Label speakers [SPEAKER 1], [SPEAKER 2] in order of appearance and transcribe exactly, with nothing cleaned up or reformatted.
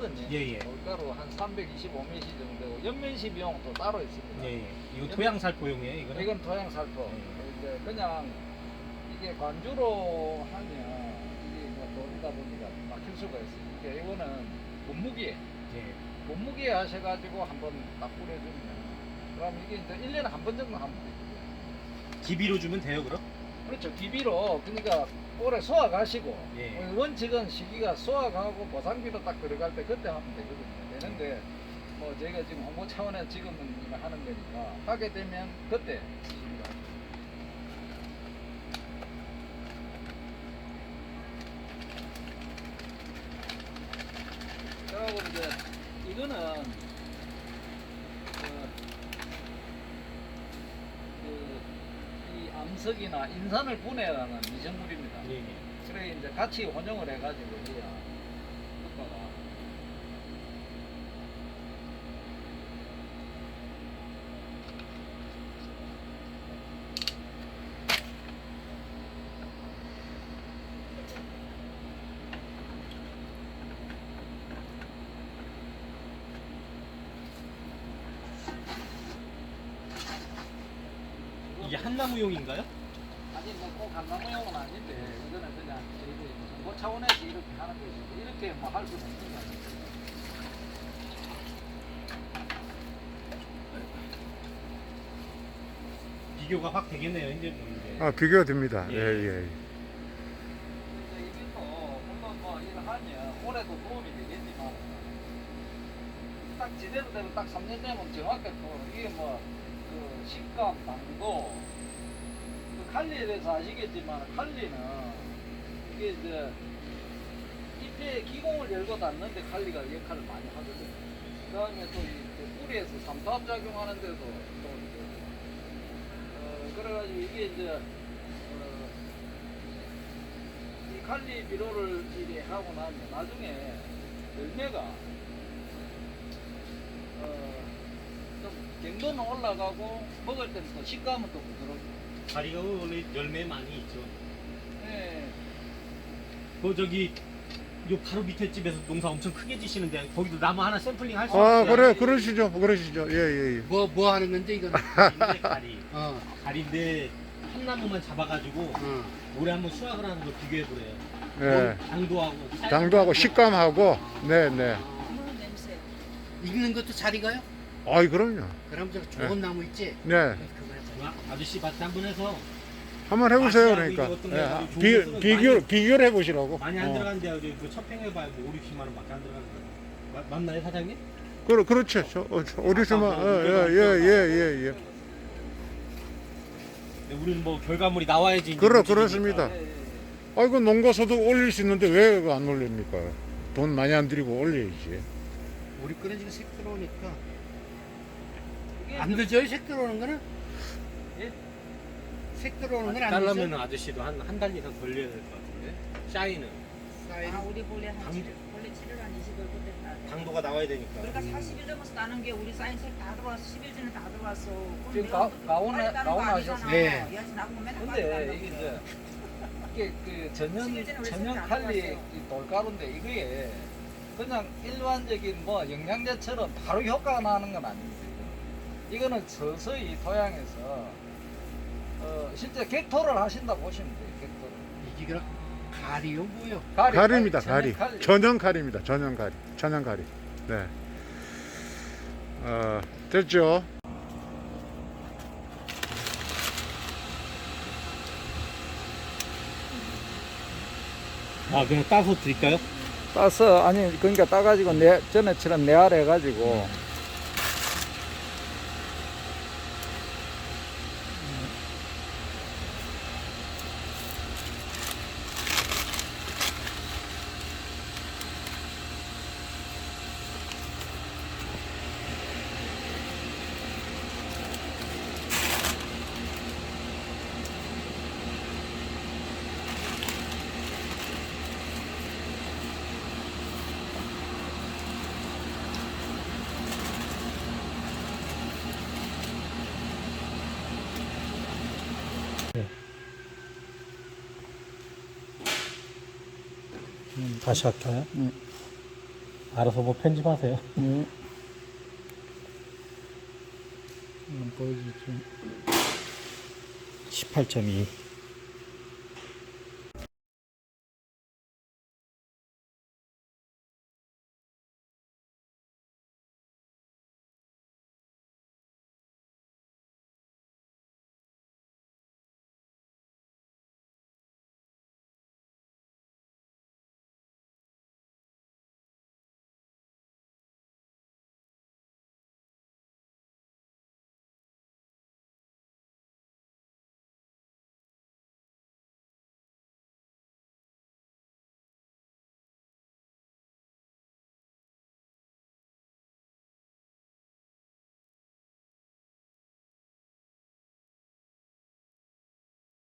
[SPEAKER 1] 돌가루거든요.
[SPEAKER 2] 예, 예.
[SPEAKER 1] 돌가루 한 삼백이십오 밀리리터 정도. 연면시 비용 또 따로 있습니다.
[SPEAKER 2] 예, 예. 이거 토양살포용이에요, 이거는?
[SPEAKER 1] 이건 토양살포.
[SPEAKER 2] 예.
[SPEAKER 1] 이제 그냥 이게 관주로 하면 이게 뭐 돌다 보니까 막힐 수가 있어요. 그러니까 이거는 분무기에
[SPEAKER 2] 예.
[SPEAKER 1] 분무기에 하셔가지고 한번 딱 뿌려주면 그럼 이게 이제 일 년에 한 번 정도 하면 돼요.
[SPEAKER 2] 기비로 주면 돼요, 그럼?
[SPEAKER 1] 그렇죠. 기비로 그러니까 올해 수확하시고
[SPEAKER 2] 예.
[SPEAKER 1] 원칙은 시기가 수확하고 보상비로 딱 들어갈 때 그때 하면 되거든요. 되는데 뭐 저희가 지금 홍보 차원에서 지금은 이거 하는 거니까 하게 되면 그때 시기가 그리고 이제 이거는 어, 그, 이 암석이나 인산을 분해하는 미생물입니다.
[SPEAKER 2] 예, 예.
[SPEAKER 1] 그래 이제 같이 혼용을 해가지고 해야 효과가.
[SPEAKER 2] 이게 한나무용인가요?
[SPEAKER 1] 아니 뭐꼭 감나무용은 아닌데 이거는 그냥 저희들이 뭐 차원에서 이렇게 하는 것이지 이렇게 뭐 할 수는 없는 거 아니에요.
[SPEAKER 2] 비교가 확 되겠네요, 이제. 뭐 이제.
[SPEAKER 3] 아, 비교가 됩니다.
[SPEAKER 2] 예.
[SPEAKER 3] 예, 예.
[SPEAKER 1] 근데 이게 또 물론 뭐 이거 하면 올해도 도움이 되겠지만 딱 제대로 되면 딱 삼 년 되면 정확하게 또 이게 뭐 그 식감, 당도 그 칼리에 대해서 아시겠지만 칼리는 이게 이제 잎에 기공을 열고 닫는데 칼리가 역할을 많이 하거든요. 그 다음에 또 이 뿌리에서 삼투압 작용하는데도 또 이제 어, 그래가지고 이게 이제 어, 이 칼리 비료를 이렇게 하고 나면 나중에 열매가 어, 좀 경도는 올라가고 먹을 때는 또 식감은 또 부드럽고.
[SPEAKER 2] 다리가 원래 열매 많이 있죠.
[SPEAKER 1] 네.
[SPEAKER 2] 그 저기 요 바로 밑에 집에서 농사 엄청 크게 지시는데 거기도 나무 하나 샘플링 할 수
[SPEAKER 3] 아,
[SPEAKER 2] 있어요?
[SPEAKER 3] 그래, 그러시죠. 그러시죠. 예, 예, 예.
[SPEAKER 4] 뭐, 뭐 하는 건데, 이거는?
[SPEAKER 2] 가리인데 가리.
[SPEAKER 4] 어,
[SPEAKER 2] 가리인데 한 나무만 잡아가지고
[SPEAKER 4] 어.
[SPEAKER 2] 올해 한번 수확을 하는 걸 비교해 보래요.
[SPEAKER 3] 예.
[SPEAKER 2] 당도하고
[SPEAKER 3] 당도하고 식감하고, 네, 네.
[SPEAKER 4] 익는 것도 잘 익어요?
[SPEAKER 3] 아이, 그럼요.
[SPEAKER 4] 그럼 저 좋은 나무 있지?
[SPEAKER 3] 네.
[SPEAKER 4] 그거 해서.
[SPEAKER 2] 아, 아저씨 밭에 한번 해서
[SPEAKER 3] 한번 해보세요,
[SPEAKER 2] 맛이
[SPEAKER 3] 그러니까.
[SPEAKER 2] 아니고 어떤 게
[SPEAKER 3] 예.
[SPEAKER 2] 아주 좋은
[SPEAKER 3] 비,
[SPEAKER 2] 것은
[SPEAKER 3] 비교,
[SPEAKER 2] 많이-
[SPEAKER 3] 비교를 해보시라고.
[SPEAKER 2] 많이 안
[SPEAKER 3] 어.
[SPEAKER 2] 들어간대요. 저기 그 첫팽해봐야 뭐 오, 육십만 원밖에 안 들어가는 거예요. 마- 맞나요, 사장님?
[SPEAKER 3] 그러, 그렇죠. 저, 어, 저, 어디서만,
[SPEAKER 2] 아까
[SPEAKER 3] 어,
[SPEAKER 2] 뭐
[SPEAKER 3] 예, 예, 예, 예, 예.
[SPEAKER 2] 근데 우리는 뭐 결과물이 나와야지. 이제
[SPEAKER 3] 그렇,
[SPEAKER 2] 움직이니까.
[SPEAKER 3] 그렇습니다.
[SPEAKER 1] 예, 예, 예.
[SPEAKER 3] 아이고, 농가서도 올릴 수 있는데 왜 안 올립니까? 돈 많이 안 들이고 올려야지.
[SPEAKER 4] 우리 거는 지금 색 들어오니까.
[SPEAKER 1] 이게
[SPEAKER 4] 안 늦어요, 색 들어오는 거는?
[SPEAKER 1] 예?
[SPEAKER 4] 색 들어오는 건 안
[SPEAKER 2] 달라면
[SPEAKER 4] 늦어요?
[SPEAKER 2] 아저씨도 한 한 달 이상 걸려야 될 것 같은데. 샤이는
[SPEAKER 4] 사이는
[SPEAKER 5] 아, 우리 본래 한
[SPEAKER 2] 당-
[SPEAKER 5] 칠 일, 본래 칠 일 한 이십 일 그때 따.
[SPEAKER 2] 당도가 나와야 되니까.
[SPEAKER 5] 그러니까 사십 일 넘어서 따는 게 우리 사인색 다 들어왔어. 십 일 전에 다 들어왔어. 그럼
[SPEAKER 1] 지금
[SPEAKER 5] 내가
[SPEAKER 1] 가-
[SPEAKER 5] 그렇게
[SPEAKER 1] 가온에-
[SPEAKER 5] 빨리 따는 거
[SPEAKER 1] 가온
[SPEAKER 5] 아니잖아.
[SPEAKER 1] 하셨어요?
[SPEAKER 4] 네.
[SPEAKER 5] 야지 나보고 맨날 빨리
[SPEAKER 1] 근데
[SPEAKER 5] 따는다고
[SPEAKER 1] 이게
[SPEAKER 5] 그래.
[SPEAKER 1] 이제 이게 그 전형
[SPEAKER 5] 십일 전에 우리
[SPEAKER 1] 전형
[SPEAKER 5] 다
[SPEAKER 1] 칼리
[SPEAKER 5] 들어갔어요.
[SPEAKER 1] 이 돌가루인데 이게 그냥 일반적인 뭐 영양제처럼 바로 효과가 나는 건 아닙니다. 이거는, 이거는 서서히 토양에서 어, 실제 객토를 하신다 보시면 돼요. 객토를.
[SPEAKER 4] 이게 그냥 가리요, 뭐요?
[SPEAKER 1] 가리,
[SPEAKER 3] 가리입니다,
[SPEAKER 1] 전형
[SPEAKER 3] 가리. 전형 가리입니다, 전형 가리. 전형 가리. 네. 어, 됐죠?
[SPEAKER 2] 아 그냥 따서 드릴까요?
[SPEAKER 1] 따서 아니 그러니까 따가지고 내 전에처럼 내알 해가지고
[SPEAKER 2] 다시 할까요?
[SPEAKER 1] 음.
[SPEAKER 2] 알아서 뭐 편집하세요.
[SPEAKER 3] 네. 한번 보여주죠.
[SPEAKER 2] 십팔 점 이.